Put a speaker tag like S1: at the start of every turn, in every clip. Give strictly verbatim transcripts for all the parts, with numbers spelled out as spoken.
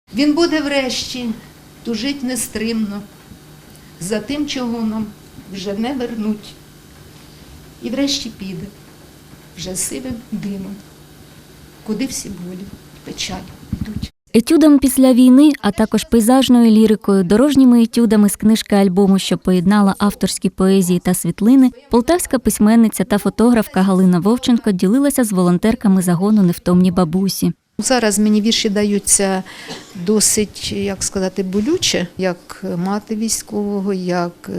S1: Він буде врешті тужить нестримно за тим, чого нам вже не вернуть. І врешті піде вже сивим димом, куди всі болі, печаль йдуть.
S2: Етюдом після війни, а також пейзажною лірикою, дорожніми етюдами з книжки-альбому, що поєднала авторські поезії та світлини, полтавська письменниця та фотографка Галина Вовченко ділилася з волонтерками загону «Невтомні бабусі».
S1: Зараз мені вірші даються досить, як сказати, болюче, як мати військового, як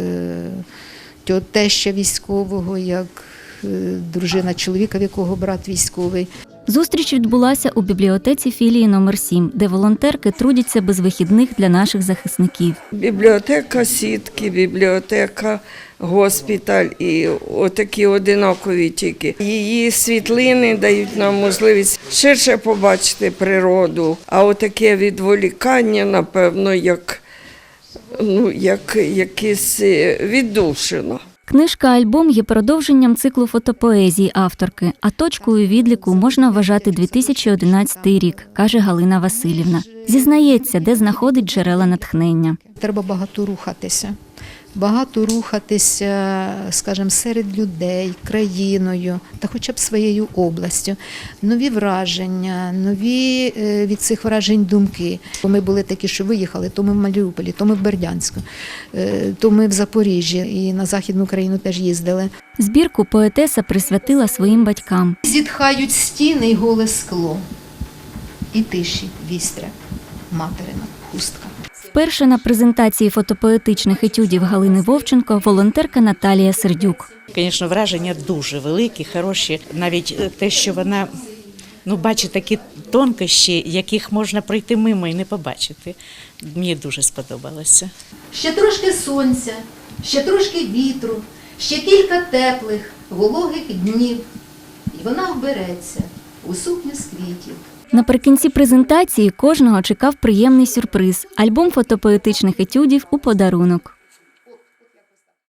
S1: теща військового, як дружина чоловіка, в якого брат військовий.
S2: Зустріч відбулася у бібліотеці філії номер сім, де волонтерки трудяться без вихідних для наших захисників.
S3: Бібліотека сітки, бібліотека госпіталь і отакі одинакові тільки. Її світлини дають нам можливість ширше побачити природу, а отаке відволікання, напевно, як, ну, як якесь віддушина.
S2: Книжка-альбом є продовженням циклу фотопоезії авторки, а точкою відліку можна вважати дві тисячі одинадцятий рік, каже Галина Василівна. Зізнається, де знаходить джерела натхнення.
S1: Треба багато рухатися. Багато рухатися, скажімо, серед людей, країною та хоча б своєю областю. Нові враження, нові від цих вражень думки. Ми були такі, що виїхали, то ми в Маріуполі, то ми в Бердянську, то ми в Запоріжжі і на Західну Україну теж їздили.
S2: Збірку поетеса присвятила своїм батькам.
S1: Зітхають стіни й голе скло, і тиші вістря материна хустка.
S2: Вперше на презентації фотопоетичних етюдів Галини Вовченко волонтерка Наталія Сердюк.
S4: Звісно, враження дуже великі, хороші. Навіть те, що вона ну, бачить такі тонкощі, яких можна пройти мимо і не побачити. Мені дуже сподобалося.
S1: Ще трошки сонця, ще трошки вітру, ще кілька теплих, вологих днів. І вона вбереться у сукню з квітів.
S2: Наприкінці презентації кожного чекав приємний сюрприз – альбом фотопоетичних етюдів у подарунок.